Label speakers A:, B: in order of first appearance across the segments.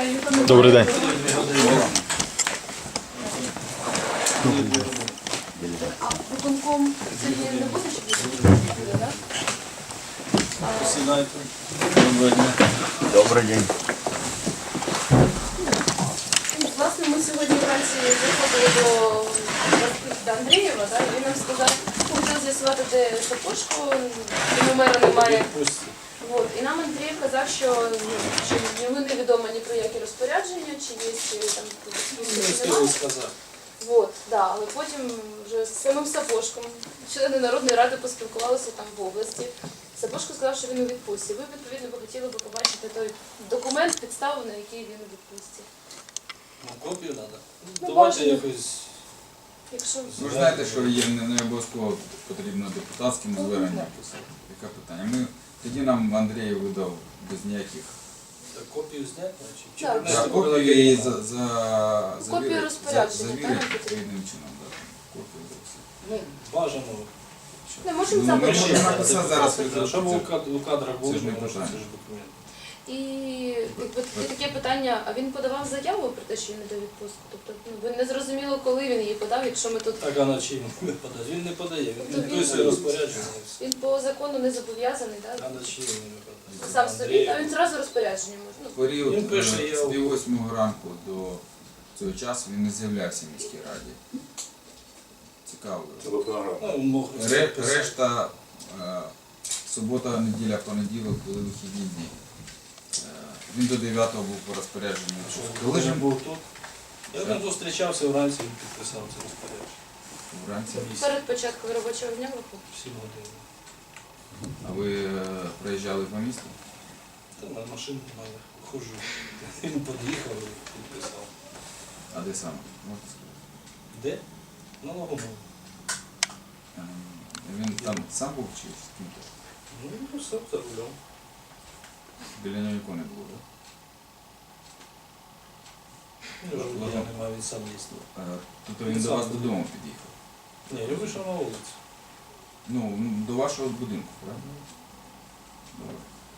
A: Добрий день.
B: А виконком сьогодні не буде, щоб буде, так?
C: Сідайте.
A: Добрий день.
B: Власне, ми сьогодні вранці заходили до Андрієва, так? І він нам сказав, хотів з'ясувати, де сапожку, номера немає. От. І нам Андрій казав, що йому невідомо ні про які розпорядження, чи є там
C: Не встигли сказати.
B: Вот, да, але потім вже з самим Сапожком, члени Народної ради поспілкувалися там в області. Сапожко сказав, що він у відпустці. Ви, відповідно, б хотіли б побачити той документ, підставу, на який він у відпустці.
C: Ну, копію треба.
B: Ну,
C: Давайте
B: бачимо.
C: якось.
B: Якщо...
D: Ви ж знаєте, що є не обов'язково потрібно депутатським зверненням писати. Яке питання? Тоді нам Андрій видав без ніяких.
C: Так, копію зняти, чи
B: Так.
C: принести
D: Копію її
B: Копію розпорядження,
D: завірити
B: так,
D: відповідним чином. Копію за все.
C: Ну, бажано.
B: Не можемо
D: Ну, ми
B: запитати.
D: можемо написати зараз.
C: Щоб у кадрах було,
D: Це ж не
C: може,
D: питання.
C: це ж документ.
B: І якби, таке питання, а він подавав заяву про те, що він йде у відпустку? Тобто, ви не зрозуміло, коли він її подав, якщо ми тут...
C: Так, а на чим він подає? Він не подає, він
B: Тобто він-
C: підписує розпорядження. і все.
B: Він по закону не зобов'язаний,
C: А
B: так?
C: на чим він не подає?
B: Сам собі, а він зразу розпорядження може. Ну,
D: Період
C: Він пише,
D: з
C: я-
D: пів 8 ранку до цього часу він не з'являвся в міській раді. Цікаво.
C: Ну, мог
D: Решта субота, неділя, понеділок були вихідні дні. Він до 9-го був по розпорядженню.
C: Коли ж був тут? Я з ним зустрічався вранці, він підписав це розпорядження.
D: Вранці.
B: перед початком робочого дня виходить.
C: 7 годин.
D: А ви проїжджали по місту?
C: Та на машину маю, ходжу. Він під'їхав і підписав.
D: А де саме? Можете сказати?
C: Де? На Логомолі.
D: Він там сам був чи з ким-то?
C: Ну, все, за рулем.
D: Біля нього нікого не було, так?
C: Я не маю, він сам їсти.
D: Тобто він до вас додому під'їхав?
C: Ні, я вийшов на вулицю.
D: Ну, до вашого будинку, правильно? Добре.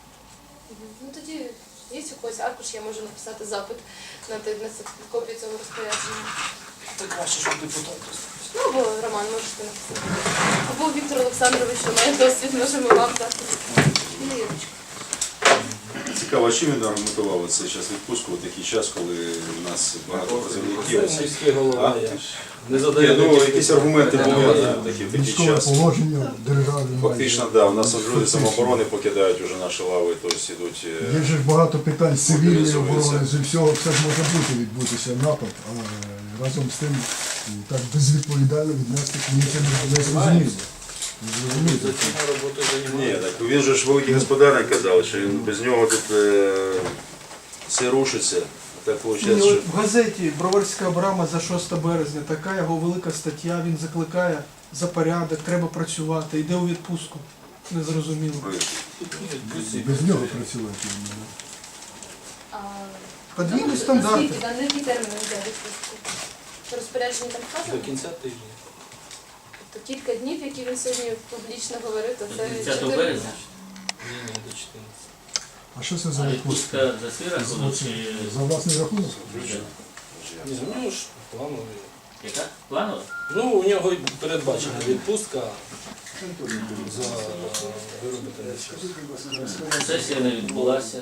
B: Ну тоді є у когось аркуш, я можу написати запит на копію цього розпорядження.
C: Так краще, щоб депутат.
B: Ну або Роман можете написати. Або Віктор Олександрович, що має досвід, можемо вам дати. Ну, Ірочка.
E: Цікаво, а чим він аргументував це зараз відпустку у такий час, коли у нас багато працівників?
C: Міський голова,
E: А?
C: я ж не задаю.
E: Ну, якісь аргументи були в такий
F: Військове
E: час.
F: положення держави.
E: Фактично, да, у нас люди самооборони покидають вже наші лави, тобто йдуть.
F: Є ж багато питань з цивільної
E: Мобілізуються.
F: оборони, з всього все ж може бути, відбутися напад, але разом з тим так безвідповідально віднести мені це не зрозуміло.
C: За цим роботою
E: Ні,
C: займаюся.
E: так він же ж великий господарник казав, що він без нього тут все рушиться. Так
G: Ні,
E: виходить,
G: от
E: що
G: в газеті «Броварська брама» за 6 березня така його велика стаття, він закликає за порядок, треба працювати, йде у відпустку. Незрозуміло.
F: Без нього працювати.
B: А,
G: Подвійні
B: ну,
G: стандарти.
B: наскільки, на які терміни йде відпустку? Розпорядження там
C: До
B: вказано?
C: кінця тижня.
B: Тобто кілька днів, які він сьогодні публічно говорив, то це
H: 30
B: 4
H: березня.
C: Ні, до 14.
F: А що це за
H: А
F: відпустка?
H: відпустка за свій рахунок чи
F: За власний рахунок?
C: Ні, ну ж плановий.
H: яка? Планова?
C: Ну, у нього й передбачена відпустка за виробити час.
H: Сесія не відбулася.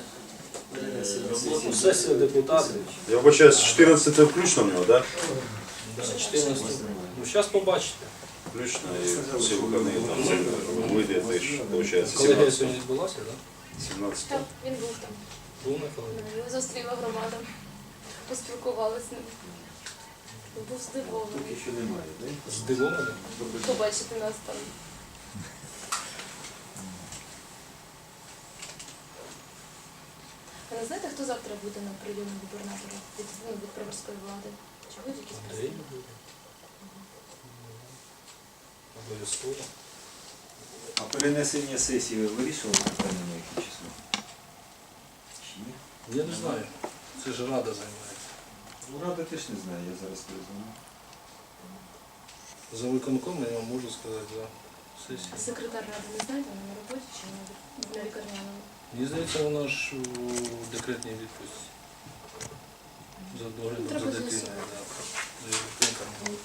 C: Ну, сесія депутатів.
E: я вибачаю, з 14 включно в нього, так?
C: Да, 14. Ну, зараз побачите.
E: Включно і всі вихідні там вийде теж, виходить,
C: Колегія сьогодні відбулася, так?
E: 17.
B: Так, він був там.
C: Був на колегії.
B: Його зустріла громада, поспілкувалася з ним. Був здивований.
C: Здивований.
B: Побачити нас там. А не знаєте, хто завтра буде на прийомі губернатора від Броварської влади? Чи будуть якісь
C: Андрій
B: представники?
C: буде. Обов'язково.
I: А перенесення сесії ви вирішили питання на яке число? Чи ні?
C: Я не знаю. Це ж Рада займається.
I: Ну, Рада теж не знає, я зараз перезвоню.
C: За виконком я вам можу сказати за сесію.
B: Секретар ради не знаєте, вона на роботі чи на лікарняному?
C: Мені здається, вона ж у декретній відпустці. за доглядом
B: Треба
C: за дитиною.
B: з'ясувати.
C: Да. Дитинка малолітня.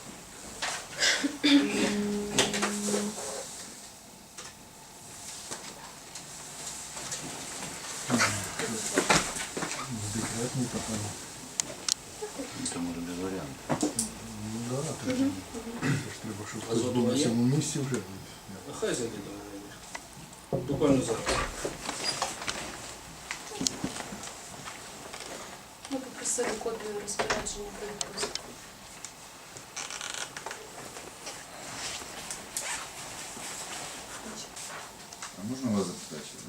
F: Декретний потім.
I: Це може без варіантів.
F: Ну да, теж. Це ж треба, щоб
C: А
F: хтось
C: згодом
F: був на
C: є?
F: цьому місці вже.
C: А хай зайде до мене. Буквально зараз.
B: Ми попросили копію розпорядження про відпустку.
D: А можна вас запитати, що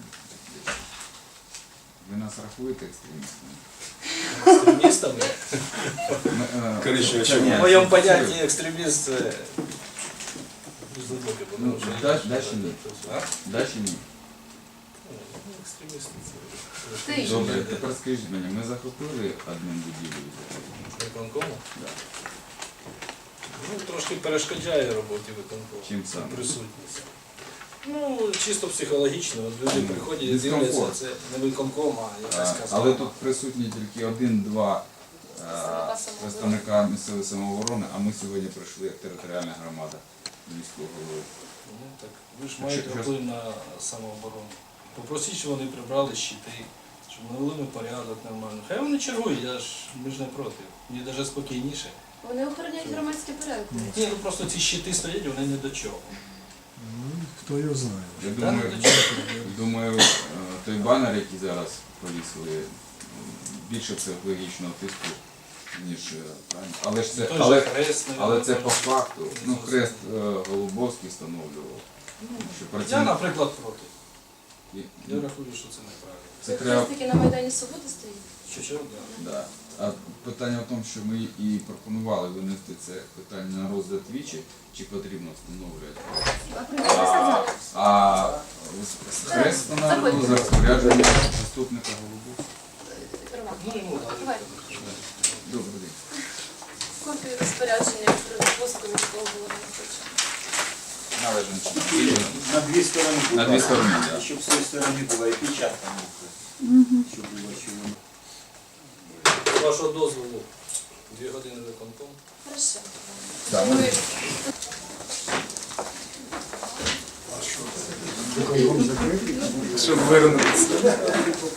D: ви нас рахуєте екстремістами?
C: Екстремістами?
E: Коричневе
C: В
E: чому?
C: моєму понятті екстреміст це дуже глибоке,
D: Ну,
C: тому що...
D: да чи ні?
C: А?
D: Да чи ні?
C: Ну, екстремісти
B: Ти
C: це...
B: ж.
D: Добре, тепер скажіть мені, ми захопили адмінбудівлю?
C: Виконкому?
D: Да.
C: Ну, трошки перешкоджає роботі виконкому.
D: Чим саме?
C: Присутність. Ну, чисто психологічно. От люди приходять і
D: Дискомфорт.
C: дивляться, це не виконком, а якась казка.
D: Але тут присутні тільки один-два
B: Представника самооборони.
D: представника місцевої самооборони, а ми сьогодні прийшли як територіальна громада міського голови.
C: Ну, так, ви ж маєте
D: Що-
C: вплив на самооборону. Попросіть, щоб вони прибрали щити, щоб навели ми порядок нормально. Хай вони чергують, ми ж не проти. Мені навіть спокійніше.
B: Вони охороняють громадський порядок.
C: Ні, ну просто ці щити стоять, вони не до чого.
F: Ну, хто його знає.
D: Я
C: Та,
D: думаю,
C: ну, до чого?
D: думаю, той банер, який зараз повісили, більше психологічного тиску, ніж правильно. Але ж це,
C: Той же
D: але,
C: хрест,
D: але це
C: навіть,
D: по факту. Ну,
C: Ісус.
D: хрест Голубовський встановлював. Що
C: Я,
D: працівник-
C: наприклад, проти.
D: І-
C: Я рахую, що це неправильно.
D: Це треба.
B: Таки на Майдані Свободи стоїть.
C: Що, да.
D: Да. А питання в тому, що ми і пропонували винести це питання на розгляд двічі, чи потрібно встановлювати. А хрест встановлював за розпорядженням заступника голови.
C: Ну, йому дали.
B: Давай.
D: Добрий день.
B: Копію розпорядження про відпустку міського голови не хочу.
D: Належно.
I: На дві сторони.
D: На дві сторони, так.
I: Щоб з цієї сторони була і печатка. Щоб було чого.
C: З вашого дозволу 2 години виконком.
B: Хорошо.
D: Так,
B: Ви-
F: Виконком закритий?
C: Щоб вернутися.